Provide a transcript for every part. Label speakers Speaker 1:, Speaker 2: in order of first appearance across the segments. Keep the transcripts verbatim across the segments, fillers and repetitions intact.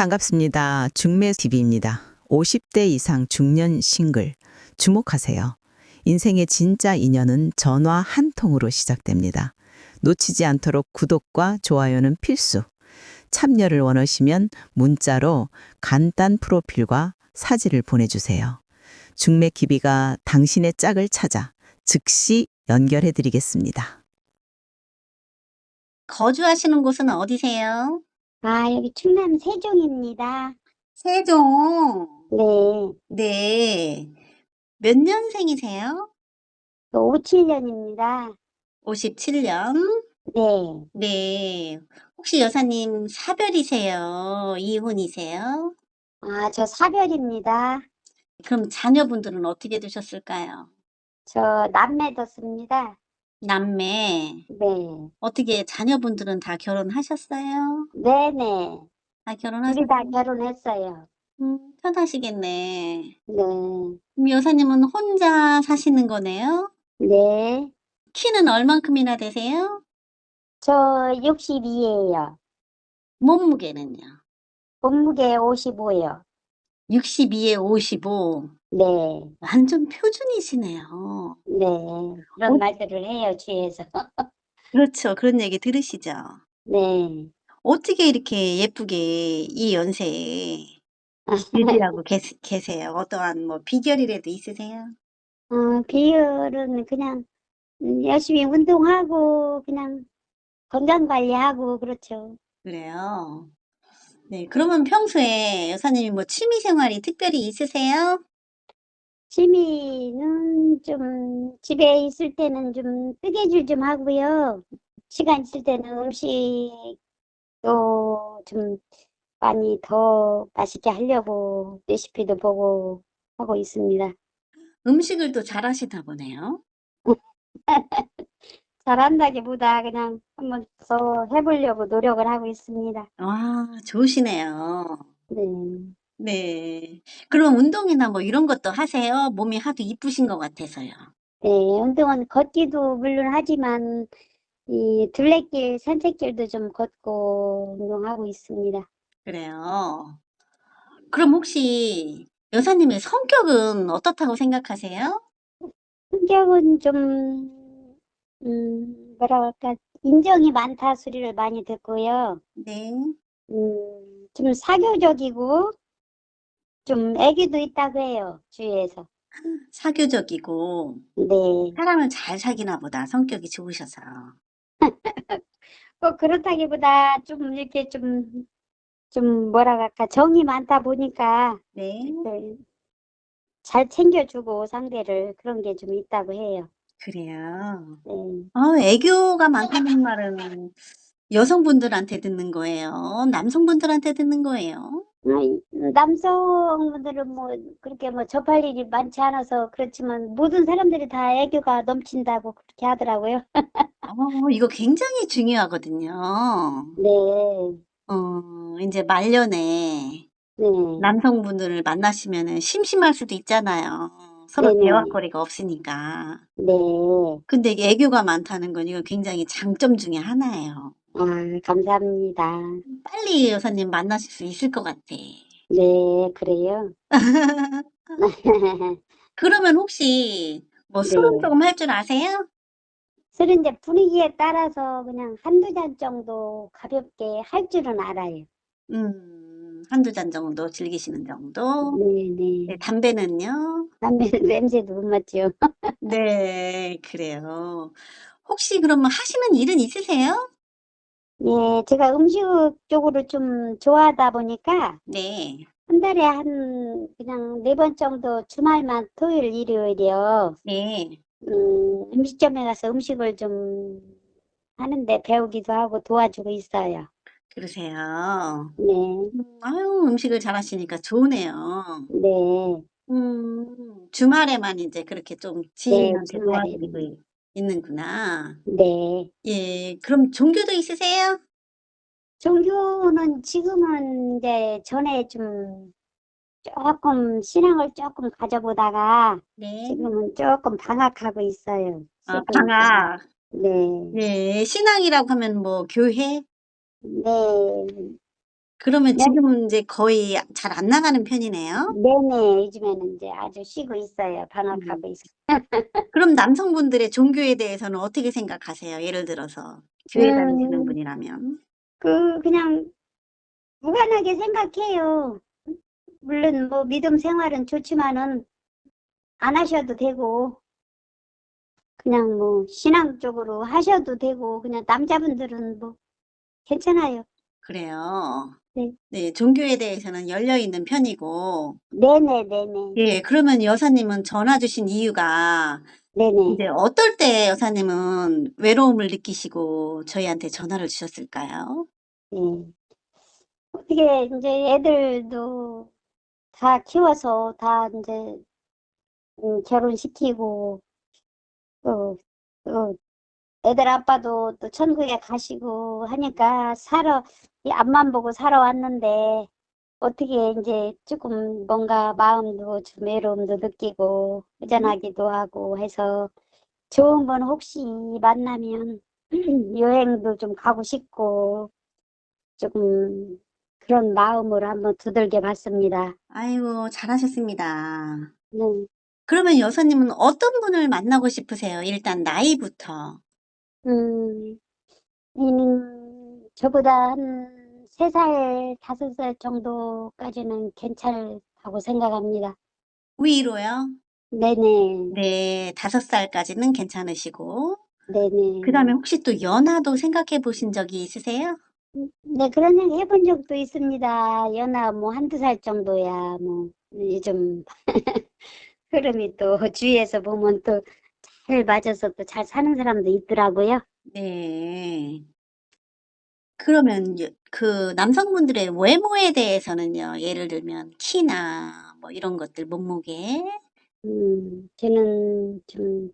Speaker 1: 반갑습니다. 중매티비입니다. 오십 대 이상 중년 싱글. 주목하세요. 인생의 진짜 인연은 전화 한 통으로 시작됩니다. 놓치지 않도록 구독과 좋아요는 필수. 참여를 원하시면 문자로 간단 프로필과 사진을 보내주세요. 중매기비가 당신의 짝을 찾아 즉시 연결해 드리겠습니다.
Speaker 2: 거주하시는 곳은 어디세요?
Speaker 3: 아, 여기 충남 세종입니다.
Speaker 2: 세종.
Speaker 3: 네,
Speaker 2: 네. 몇 년생이세요?
Speaker 3: 오십칠 년입니다.
Speaker 2: 오십칠 년.
Speaker 3: 네,
Speaker 2: 네. 혹시 여사님 사별이세요? 이혼이세요?
Speaker 3: 아, 저 사별입니다.
Speaker 2: 그럼 자녀분들은 어떻게 되셨을까요?
Speaker 3: 저 남매 뒀습니다.
Speaker 2: 남매.
Speaker 3: 네,
Speaker 2: 어떻게 자녀분들은 다 결혼하셨어요?
Speaker 3: 네네.
Speaker 2: 다
Speaker 3: 둘이 다
Speaker 2: 결혼하셨어요?
Speaker 3: 결혼했어요.
Speaker 2: 음, 편하시겠네.
Speaker 3: 네,
Speaker 2: 그럼 여사님은 혼자 사시는 거네요?
Speaker 3: 네.
Speaker 2: 키는 얼만큼이나 되세요?
Speaker 3: 저 육십이에요.
Speaker 2: 몸무게는요?
Speaker 3: 몸무게 오십오요.
Speaker 2: 육십이에 오십오.
Speaker 3: 네,
Speaker 2: 완전 표준이시네요.
Speaker 3: 네.
Speaker 2: 어,
Speaker 3: 그런 말들을 해요, 주위에서.
Speaker 2: 그렇죠. 그런 얘기 들으시죠?
Speaker 3: 네.
Speaker 2: 어떻게 이렇게 예쁘게 이 연세에 유지하고 계세, 계세요? 어떠한 뭐 비결이라도 있으세요?
Speaker 3: 어, 비율은 그냥 음, 열심히 운동하고 그냥 건강 관리하고 그렇죠.
Speaker 2: 그래요. 네. 그러면 평소에 여사님이 뭐 취미 생활이 특별히 있으세요?
Speaker 3: 취미는 좀 집에 있을 때는 좀 뜨개질 좀 하고요. 시간 있을 때는 음식도 좀 많이 더 맛있게 하려고 레시피도 보고 하고 있습니다.
Speaker 2: 음식을 또 잘하시나 보네요.
Speaker 3: 잘한다기보다 그냥 한번 더 해보려고 노력을 하고 있습니다.
Speaker 2: 와, 좋으시네요.
Speaker 3: 네.
Speaker 2: 네. 그럼 운동이나 뭐 이런 것도 하세요? 몸이 하도 이쁘신 것 같아서요.
Speaker 3: 네, 운동은 걷기도 물론 하지만 이 둘레길, 산책길도 좀 걷고 운동하고 있습니다.
Speaker 2: 그래요. 그럼 혹시 여사님의 성격은 어떻다고 생각하세요?
Speaker 3: 성격은 좀, 음, 뭐라 할까, 인정이 많다 소리를 많이 듣고요.
Speaker 2: 네.
Speaker 3: 음, 좀 사교적이고 좀 애기도 있다고 해요, 주위에서.
Speaker 2: 사교적이고
Speaker 3: 네.
Speaker 2: 사람을 잘 사귀나 보다. 성격이 좋으셔서.
Speaker 3: 꼭 그렇다기보다 좀 이렇게 좀, 좀 뭐라 할까, 정이 많다 보니까
Speaker 2: 네.
Speaker 3: 네, 잘 챙겨주고 상대를 그런 게 좀 있다고 해요.
Speaker 2: 그래요.
Speaker 3: 네.
Speaker 2: 어, 애교가 많다는 말은 여성분들한테 듣는 거예요? 남성분들한테 듣는 거예요?
Speaker 3: 아이, 남성분들은 뭐 그렇게 뭐 접할 일이 많지 않아서 그렇지만 모든 사람들이 다 애교가 넘친다고 그렇게 하더라고요.
Speaker 2: 어, 이거 굉장히 중요하거든요.
Speaker 3: 네,
Speaker 2: 어, 이제 말년에
Speaker 3: 네,
Speaker 2: 남성분들을 만나시면은 심심할 수도 있잖아요. 서로
Speaker 3: 네네,
Speaker 2: 대화거리가 없으니까.
Speaker 3: 네.
Speaker 2: 근데 이게 애교가 많다는 건 이거 굉장히 장점 중에 하나예요.
Speaker 3: 아, 감사합니다.
Speaker 2: 빨리 여사님 만나실 수 있을 것 같아.
Speaker 3: 네, 그래요.
Speaker 2: 그러면 혹시 뭐 술은
Speaker 3: 네.
Speaker 2: 조금 할 줄 아세요?
Speaker 3: 술은 이제 분위기에 따라서 그냥 한두 잔 정도 가볍게 할 줄은 알아요.
Speaker 2: 음, 한두 잔 정도 즐기시는 정도?
Speaker 3: 네,
Speaker 2: 네,
Speaker 3: 네.
Speaker 2: 담배는요?
Speaker 3: 담배는 냄새도 못 맡죠.
Speaker 2: 네, 그래요. 혹시 그러면 하시는 일은 있으세요?
Speaker 3: 네, 제가 음식 쪽으로 좀 좋아하다 보니까
Speaker 2: 네,
Speaker 3: 한 달에 한 그냥 네 번 정도 주말만 토요일, 일요일이요.
Speaker 2: 네,
Speaker 3: 음, 음식점에 가서 음식을 좀 하는데 배우기도 하고 도와주고 있어요.
Speaker 2: 그러세요.
Speaker 3: 네,
Speaker 2: 음, 아유, 음식을 잘하시니까 좋으네요.
Speaker 3: 네,
Speaker 2: 음, 주말에만 이제 그렇게 좀
Speaker 3: 네,
Speaker 2: 지인한테 도와드리고
Speaker 3: 주말에는.
Speaker 2: 있- 있는구나.
Speaker 3: 네.
Speaker 2: 예, 그럼 종교도 있으세요?
Speaker 3: 종교는 지금은 이제 전에 좀 조금 신앙을 조금 가져보다가
Speaker 2: 네.
Speaker 3: 지금은 조금 방학하고 있어요.
Speaker 2: 아,
Speaker 3: 쉬고 있어요.
Speaker 2: 방학.
Speaker 3: 네,
Speaker 2: 네, 신앙이라고 하면 뭐 교회?
Speaker 3: 네.
Speaker 2: 그러면
Speaker 3: 네,
Speaker 2: 지금은 이제 거의 잘 안 나가는 편이네요?
Speaker 3: 네네. 요즘에는 이제 아주 쉬고 있어요.
Speaker 2: 음.
Speaker 3: 방학하고 있어요.
Speaker 2: 그럼 남성분들의 종교에 대해서는 어떻게 생각하세요? 예를 들어서 교회 다니시는
Speaker 3: 음,
Speaker 2: 분이라면.
Speaker 3: 그, 그냥 무관하게 생각해요. 물론 뭐 믿음 생활은 좋지만은 안 하셔도 되고, 그냥 뭐 신앙 쪽으로 하셔도 되고, 그냥 남자분들은 뭐 괜찮아요.
Speaker 2: 그래요.
Speaker 3: 네.
Speaker 2: 네, 종교에 대해서는 열려 있는 편이고,
Speaker 3: 네네, 네네.
Speaker 2: 예, 그러면 여사님은 전화 주신 이유가
Speaker 3: 네네.
Speaker 2: 이제 어떨 때 여사님은 외로움을 느끼시고 저희한테 전화를 주셨을까요?
Speaker 3: 네. 어떻게 이제 애들도 다 키워서 다 이제 음, 결혼시키고, 또, 또 애들 아빠도 또 천국에 가시고 하니까 살아, 이 앞만 보고 살아왔는데, 어떻게 이제 조금 뭔가 마음도 좀 외로움도 느끼고, 허전하기도 하고 해서 좋은 분 혹시 만나면 여행도 좀 가고 싶고, 조금 그런 마음으로 한번 두들겨 봤습니다.
Speaker 2: 아이고, 잘하셨습니다.
Speaker 3: 네.
Speaker 2: 그러면 여사님은 어떤 분을 만나고 싶으세요? 일단 나이부터.
Speaker 3: 음, 음, 저보다 한 세 살, 다섯 살 정도까지는 괜찮다고 생각합니다.
Speaker 2: 위로요?
Speaker 3: 네네,
Speaker 2: 네, 다섯 살까지는 괜찮으시고. 그 다음에
Speaker 3: 네네.
Speaker 2: 혹시 또 연하도 생각해 보신 적이 있으세요?
Speaker 3: 음, 네, 그런 얘기 해본 적도 있습니다. 연하 뭐 한두 살 정도야, 뭐, 요즘 흐름이 또 주위에서 보면 또 잘 맞아서 또 잘 사는 사람도 있더라고요.
Speaker 2: 네. 그러면 여- 그 남성분들의 외모에 대해서는요, 예를 들면 키나 뭐 이런 것들, 몸무게.
Speaker 3: 음, 저는 좀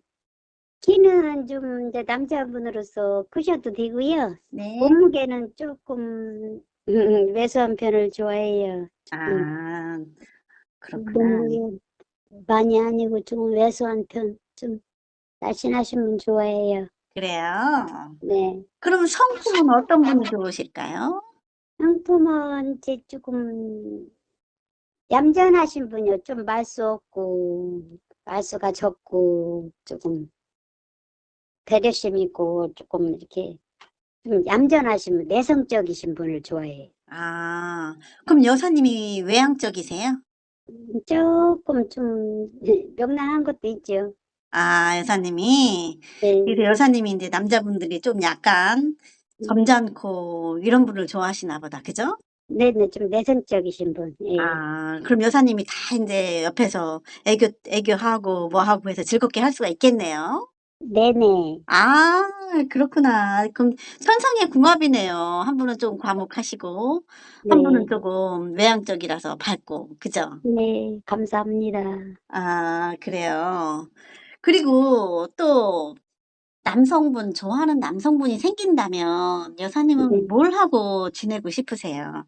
Speaker 3: 키는 좀 이제 남자분으로서 크셔도 되고요.
Speaker 2: 네.
Speaker 3: 몸무게는 조금 음, 왜소한 편을 좋아해요. 조금
Speaker 2: 아, 그렇구나.
Speaker 3: 몸무게 많이 아니고 좀 왜소한 편, 좀 날씬하신 분 좋아해요.
Speaker 2: 그래요.
Speaker 3: 네.
Speaker 2: 그럼 성품은 어떤 분이 좋으실까요?
Speaker 3: 상품은 이제 조금 얌전하신 분이요. 좀 말수 없고 말수가 적고 조금 배려심 있고 조금 이렇게 좀 얌전하신 분, 내성적이신 분을 좋아해요.
Speaker 2: 아, 그럼 여사님이 외향적이세요?
Speaker 3: 조금 좀 명랑한 것도 있죠.
Speaker 2: 아, 여사님이. 그래서
Speaker 3: 네.
Speaker 2: 여사님이 이제 남자분들이 좀 약간
Speaker 3: 음,
Speaker 2: 점잖고 이런 분을 좋아하시나 보다. 그죠?
Speaker 3: 네네, 좀 내성적이신 분. 예.
Speaker 2: 아, 그럼 여사님이 다 이제 옆에서 애교, 애교하고 뭐 하고 해서 즐겁게 할 수가 있겠네요.
Speaker 3: 네네.
Speaker 2: 아, 그렇구나. 그럼 천상의 궁합이네요. 한 분은 좀 과묵하시고, 한 분은
Speaker 3: 네.
Speaker 2: 조금 외향적이라서 밝고, 그죠?
Speaker 3: 네. 감사합니다.
Speaker 2: 아, 그래요. 그리고 또 남성분, 좋아하는 남성분이 생긴다면 여사님은
Speaker 3: 네.
Speaker 2: 뭘 하고 지내고 싶으세요?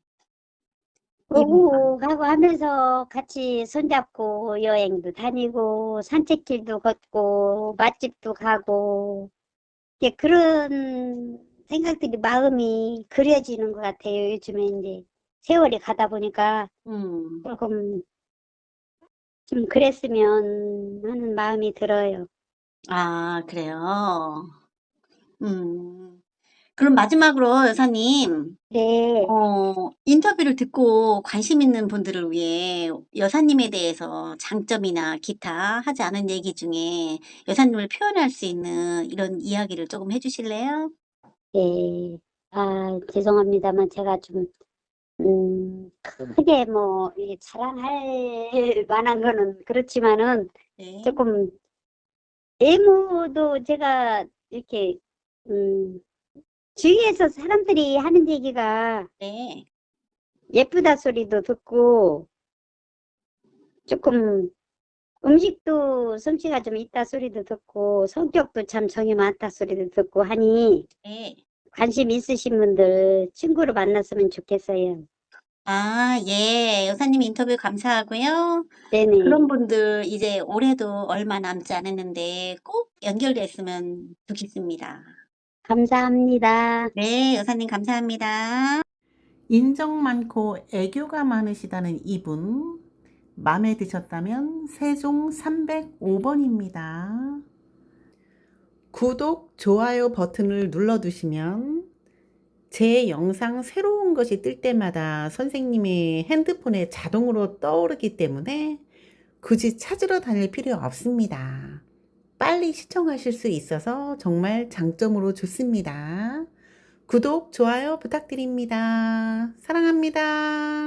Speaker 2: 이분과.
Speaker 3: 오고 가고 하면서 같이 손잡고 여행도 다니고 산책길도 걷고 맛집도 가고 이제 그런 생각들이 마음이 그려지는 것 같아요. 요즘에 이제 세월이 가다 보니까
Speaker 2: 음,
Speaker 3: 조금 좀 그랬으면 하는 마음이 들어요.
Speaker 2: 아, 그래요. 음. 그럼 마지막으로 여사님,
Speaker 3: 네,
Speaker 2: 어, 인터뷰를 듣고 관심 있는 분들을 위해 여사님에 대해서 장점이나 기타 하지 않은 얘기 중에 여사님을 표현할 수 있는 이런 이야기를 조금 해주실래요?
Speaker 3: 네. 아, 죄송합니다만 제가 좀, 음, 크게 뭐, 이게 자랑할 만한 거는 그렇지만은
Speaker 2: 네.
Speaker 3: 조금 외모도 제가 이렇게, 음, 주위에서 사람들이 하는 얘기가
Speaker 2: 네.
Speaker 3: 예쁘다 소리도 듣고 조금 음식도 솜씨가 좀 있다 소리도 듣고 성격도 참 정이 많다 소리도 듣고 하니
Speaker 2: 네.
Speaker 3: 관심 있으신 분들 친구로 만났으면 좋겠어요.
Speaker 2: 아, 예. 여사님 인터뷰 감사하고요. 그런
Speaker 3: 네네.
Speaker 2: 분들 이제 올해도 얼마 남지 않았는데 꼭 연결됐으면 좋겠습니다.
Speaker 3: 감사합니다.
Speaker 2: 네, 여사님 감사합니다.
Speaker 4: 인정 많고 애교가 많으시다는 이분, 마음에 드셨다면 세종 삼백오 번입니다. 구독, 좋아요 버튼을 눌러두시면 제 영상 새로운 것이 뜰 때마다 선생님의 핸드폰에 자동으로 떠오르기 때문에 굳이 찾으러 다닐 필요 없습니다. 빨리 시청하실 수 있어서 정말 장점으로 좋습니다. 구독, 좋아요 부탁드립니다. 사랑합니다.